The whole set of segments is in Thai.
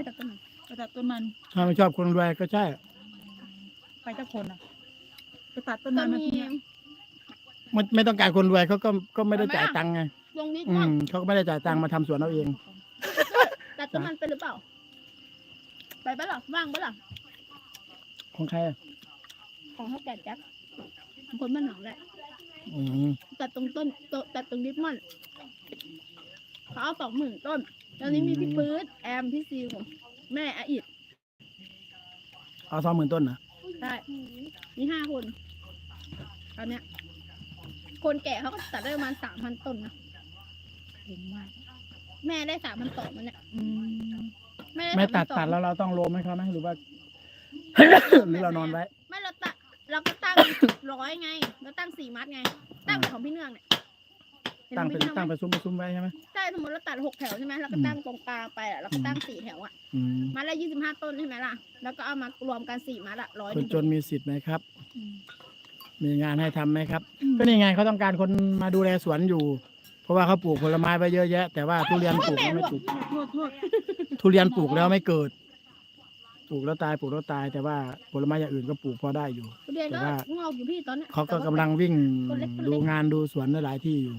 ตัดต้นมันไปตัดต้นมันถ้าไม่ชอบคนรวยก็ใช่ไปเจ้าคนอ่ะไปตัดต้นก็มันมีไม่ต้องการคนรวยเขาก็ไม่ได้จ่ายตังค์ไงลงนิดอืว่ามเขาก็ไม่ได้จ่ายตังค์มาทำสวนเอาเองตัดต้นมันไปหรือเปล่า ไปปะล่ะว่างปะล่ะของใครอ่ะของเขาแก่แจ็คคนบ้านหนองแหละอืมตัดตรงต้นตัดตรงดิฟมอนเขาเอา20,000 ต้น ตอนนี้มีพี่ปื๊ดแอมพี่ซิวแม่อาอิดเอา20,000 ต้นนะใช่มี5 คนตอนเนี้ย คนแก่เขาก็ตัดได้ประมาณ3,000 ต้นนะเห็นมากแม่ได้3,000 ต้นมันเนี่ยมไม่ตัด 3,000 แล้วเราต้องโลมให้เขาไหมหรือว่า หรือเรานอนไว้ไม่เราก็ตั้ง 100ไงเราตั้ง4 มัดไง ตั้งแบบของพี่เนื่องเนี่ยห็นตั้งของเป็นพี่นื่อตั้งไหมเป็นซุ้มไว้ใช่ไหมใช่สมมติเราตัด6 แถวใช่ไหมเราก็ตั้งตรงกลางไปอ่ะเราก็ตั้ง4 แถวอ่ะอืมมัดละ25 ต้นใช่ไหมล่ะ แล้วก็เอามารวมกัน4 มัดอ่ะ100 คนจนมีสิทธิ์ไหมครับ มีงานให้ทำไหมครับ ก็นี่ไงเขาต้องการคนมาดูแลสวนอยู่ เพราะว่าเขาปลูกผลไม้ไปเยอะแยะ แต่ว่าทุเรียนปลูกแล้วไม่ติดโทษทุเรียนปลูกแล้วไม่เกิด ปลูกแล้วตายปลูกแล้วตาย แต่ว่าผลไม้อย่างอื่นก็ปลูกพอได้อยู่ทุเรียนก็แต่ว่างอกอยู่พี่ตอนเนี้ยเขาก็กำลังวิ่งดูงานดูสวนหลายที่อยู่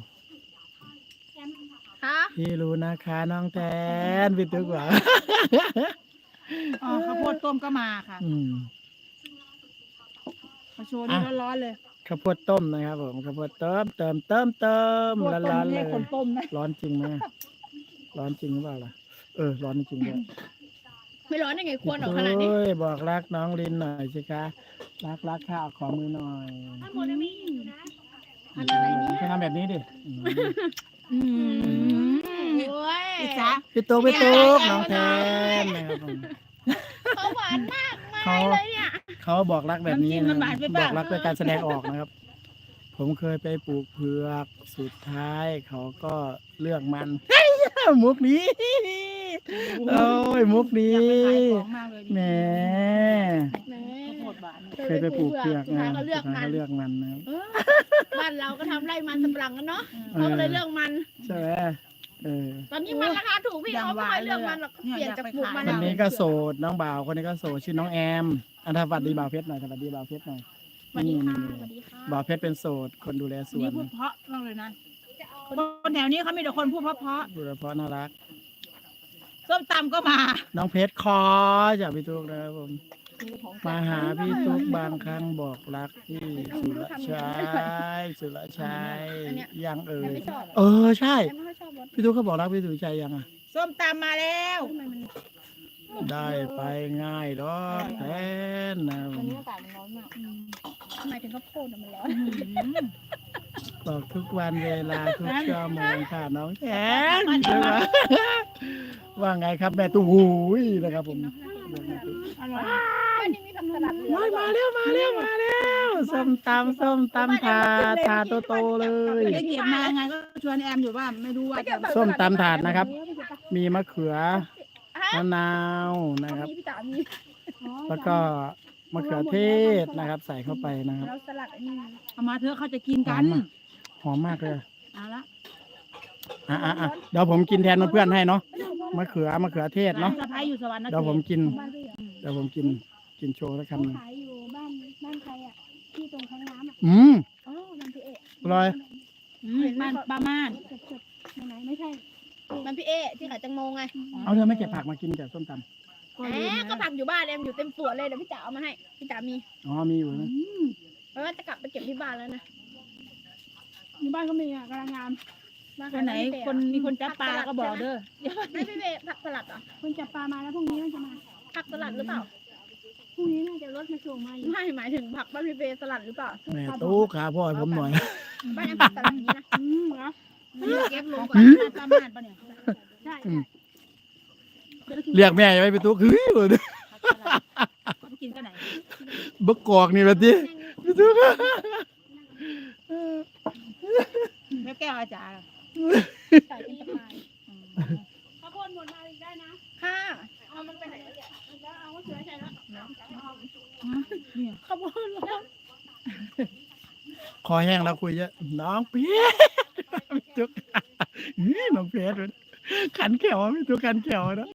ค่ะพี่รู้นะคะน้องแทนพี่ตึกว่าอ๋อข้าวโพดต้มก็มาค่ะอืมมาโชว์นี่ร้อนๆเลยข้าวโพดต้มนะครับผมข้าวโพดเติมข้าวโพดต้ร้อมนๆไม่เลใช่ยคนต้มนะร้อนจริงไหมร้อนจริงหรือเปล่าล่ะร้อนจริงด้วยไม่ร้อนได้ไงควรออกขนาดนี้โอ้ยบอกรักน้องลินหน่อยสิคะรักค่ะขอมือหน่อยอันอะไรนี่จะทำแบบนี้ดิโอ้ยอิจ๊ะพี่ตุ๊กน้องแทนนะครับผมเขาหวานมากเขาเลยเนี่ยเขาบอกรักแบบนี้นะบอกรักด้วยการแสดงออกนะครับ ผมเคยไปปลูกเผือกสุดท้ายเขาก็เลือกมัน มุกนี้โอ้ยมุกนี้อยากไปขายของมากเลยแหมแหมข้าวโพดหวานเคยไปปลูกเผือกสุดท้ายนะก็เลือกสุดท้ายมันก็เลือกมันนะครับบ้านเราก็ทำไร่มันสำปะหลังกันเนาะเขาก็เลยเลือกมันใช่ไหมตอนนี้มันราคาถูกพี่เขาไม่ค่อยเลือกมันหรอกเปลี่ยนจากปลูกมันคนนี้ก็โสดน้องบ่าวคนนี้ก็โสดชื่อน้องแอมอันทวัดดีบ่าวเพชรหน่อยสวัสดีบ่าวเพชรหน่อยสวัสดีค่ะนี่สวัสดีค่ะบ่าวเพชรเป็นโสดคนดูแลสวนี่นพูดเพราะมากเลยนะคนแถวนี้เขามีแต่คนพูดเพราะดูแลเพราะน่ารักๆส้มตำก็มาน้องเพชรคอจากพี่ตุ๊กนะครับผมมาหาพี่ตุ๊กบางครั้งบอกรักพี่สุรชัยยังใช่แอมไม่ค่อยชอบรสพี่ตุ๊กเขาบอกรักพี่สุรชัยยังอ่ะส้มตำมาแล้วทำไมมันได้ไปง่ายดอกแทนนะวันนี้อากาศมันร้อนมากทำไมถึงข้าวโพดมันร้อนบอกทุกวันเวลาทุกชั่วโมงค่ะน้องแทนใช่ไหมว่าไงครับแม่ตู้หูยนะครับผมอร่อยวันนี้มีผักสลัดเหลือมาแล้วส้มตำถาดโตๆเลยเก็บมาไงก็ชวนแอมอยู่ว่าไม่รู้ว่าจะส้มตำถาดนะครับ มีมะเขือฮะมะนาวนะครับมีพี่จ๋ามีแล้วก็มะเขือเทศนะครับ ใส่เข้าไปนะครับแล้วสลัดอันนี้เอามาเถอะเขาจะกินกันหอมมากเลยเอาละเดี๋ยวผมกินแทนเพื่อนๆให้เนาะมะเขือเทศเนาะสะพ้ายอยู่สวรรค์นะเดี๋ยวผมกินบ้านพี่เหรอเดี๋ยวผมกินโชว์แล้วคำหนึ่งขายอยู่บ้านใครอ่ะที่ตรงท้องน้ำอ่ะอืมอ๋อบ้านพี่เอะอร่อยบ้านป้าม่านไหนไม่ใช่บ้านพี่เอะที่ขายแตงโมไงเอาเธอไม่เก็บผักมากินกับส้มตแหมก็ผักอยู่บ้านเอ็มอยู่เต็มสวนเลยเดี๋ยวพี่จ๋าเอามาให้พี่จ๋ามีำอ๋อมีอยู่นะเพราะว่าจะกลับไปเก็บที่บ้านแล้วนะที่บ้านก็มีอ่ะกำลังงามบ้าคนไหนคนมีคนจับปลาก็บอกเด้อเดี๋ยวไม่พี่เอะผักสลัดเหรอคนจับปลามาแล้วพรุ่งนี้น่าจะมาผักสลัดหรือเปล่าพรุ่งนี้น่าจะรถมาส่งมาอยู่ไม่หมายถึงผักบ้านพี่เบสลัดหรือเปล่าแม่ตู้ขาพ่อให้ผมหน่อยบ้านแอมผักสลัดอย่างนี้นะเหรอเก็บลงก่อนป้าม่านปะเนี่ยใช่เรียกแม่ยังไม่ไปตู้คือเขาไปกินกันไหนบักกอกนี่แบบนี้พี่ตู้แม่แก้วอาจารย์ใส่เป็นสะพายข้าวโพดหมดมาอีกได้นะค่ะเอามันไปไหนแล้วเนี่ยแล้วเอาเสือใส่แล้วขบวนรถคอแห้งแล้วคุยเยอะน้องเพี้ยพี่ตุ๊กน้องเพชรขันแขวพี่ตุ๊กขันแขวนะ